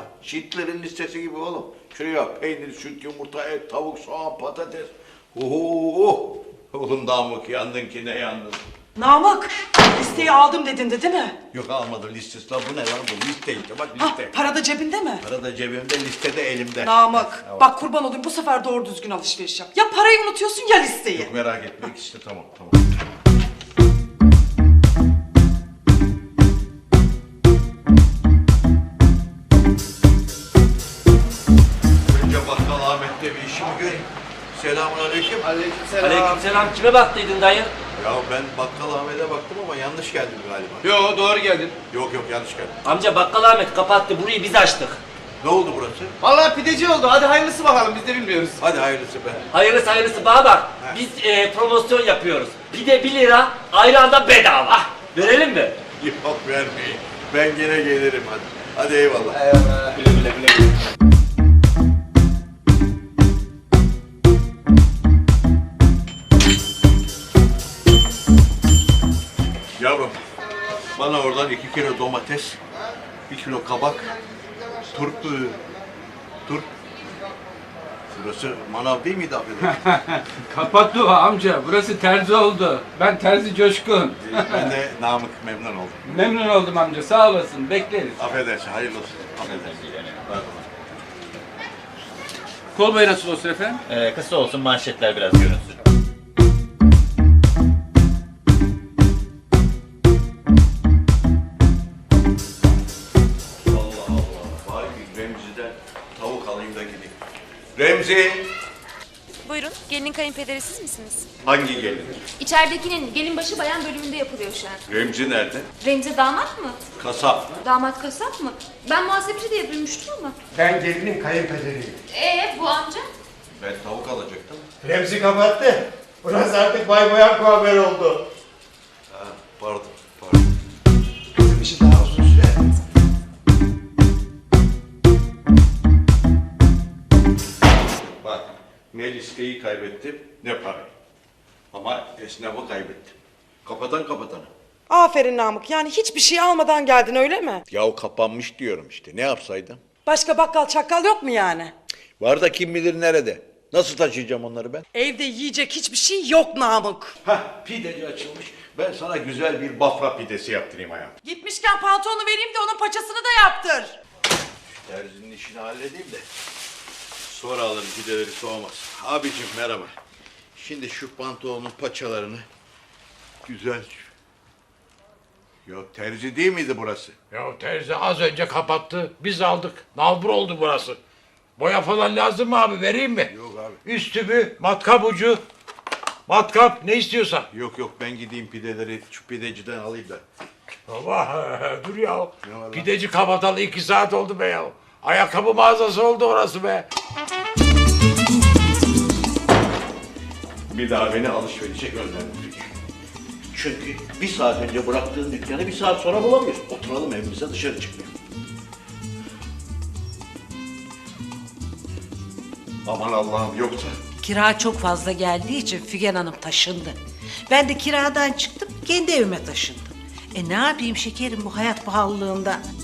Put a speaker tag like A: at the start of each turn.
A: Şitlerin listesi gibi oğlum. Şuraya peynir, süt, yumurta, et, tavuk, soğan, patates. Oho! Oğlum Namık yandın ki ne yandın?
B: Namık, listeyi aldım dedin de değil mi?
A: Yok almadım listesi lan bu ne lan bu liste işte bak
B: Ha,
A: liste.
B: para da cebinde mi?
A: Para da cebimde listede elimde.
B: Namık,
A: Evet.
B: bak kurban olayım bu sefer doğru düzgün alışveriş yap. Ya parayı unutuyorsun ya listeyi.
A: Yok merak etme işte tamam. Önce bakkal Ahmet'te bir işimi göreyim. Selamun aleyküm.
C: Aleykümselam. Kime baktıydın dayı?
A: Ya ben bakkal Ahmet'e baktım ama yanlış geldim galiba.
D: Yo doğru geldin.
A: Yok yanlış geldim.
C: Amca bakkal Ahmet kapattı. Burayı biz açtık.
A: Ne oldu burası?
D: Vallahi pideci oldu. Hadi hayırlısı bakalım. Biz de bilmiyoruz.
A: Hadi hayırlısı be.
C: Hayırlısı bana bak. Biz promosyon yapıyoruz. Pide 1 lira, ayran da bedava. Verelim mi?
A: Yok vermeyin. Ben gene gelirim hadi. Hadi eyvallah.
C: Güle.
A: Yavrum, bana oradan 2 kilo domates, 1 kilo kabak, turp. Burası manav değil miydi affedersin?
E: Kapattı o amca. Burası terzi oldu. Ben terzi Coşkun.
A: Ben de Namık memnun oldum.
E: Memnun oldum amca. Sağ olasın. Bekleriz.
A: Affedersin, hayırlı olsun. Affedersin.
E: Kol boyu nasıl olsun efendim?
F: Kısa olsun manşetler biraz görünsün.
A: Allah. Vay bir Remzi'den tavuk alayım da gideyim. Remzi!
G: Buyurun, gelinin kayınpederi siz misiniz?
A: Hangi gelin?
G: İçeridekinin gelinbaşı bayan bölümünde yapılıyor şu an.
A: Remzi nerede?
G: Remzi damat mı?
A: Kasap.
G: Damat kasap mı? Ben muhasebeci diye duymuştum ama.
H: Ben gelinin kayınpederiyim.
G: Bu amca?
A: Ben tavuk alacaktım.
H: Remzi kapattı. Burası artık Bay Boyan kuaför oldu.
A: Ha, pardon.
H: Bizim işi daha uzun sürer.
A: Bak, ne listeyi kaybettim, ne parayı. Ama esnafı kaybettim. Kapatana.
B: Aferin Namık, yani hiçbir şey almadan geldin öyle mi?
A: Yahu kapanmış diyorum işte, ne yapsaydım?
B: Başka bakkal çakkal yok mu yani?
A: Var da kim bilir nerede? Nasıl taşıyacağım onları ben?
B: Evde yiyecek hiçbir şey yok Namık.
A: Hah, pideci açılmış. Ben sana güzel bir bafra pidesi yaptırayım hayatım.
B: Gitmişken pantolonu vereyim de onun paçasını da yaptır.
A: Terzinin işini halledeyim de sonra alırım pideleri soğumaz. Abicim merhaba. Şimdi şu pantolonun paçalarını güzel... Ya terzi değil miydi burası?
I: Ya terzi az önce kapattı. Biz aldık. Nalbur oldu burası. Boya falan lazım mı abi? Vereyim mi?
A: Yok abi.
I: Üst tüpü, matkap ucu. Matkap ne istiyorsan.
A: Yok ben gideyim pideleri şu pideciden alayım da.
I: Baba dur ya.
A: Ne var lan?
I: Pideci kapatalı 2 saat oldu be ya. Ayakkabı mağazası oldu orası be.
A: Bir daha beni alışverişe gönderme Figen. Çünkü bir saat önce bıraktığın dükkanı bir saat sonra bulamıyorsun. Oturalım evimize dışarı çıkmayalım. Aman Allah'ım yoksa...
J: Kira çok fazla geldiği için Figen Hanım taşındı. Ben de kiradan çıktım, kendi evime taşındım. Ne yapayım şekerim bu hayat pahalılığında?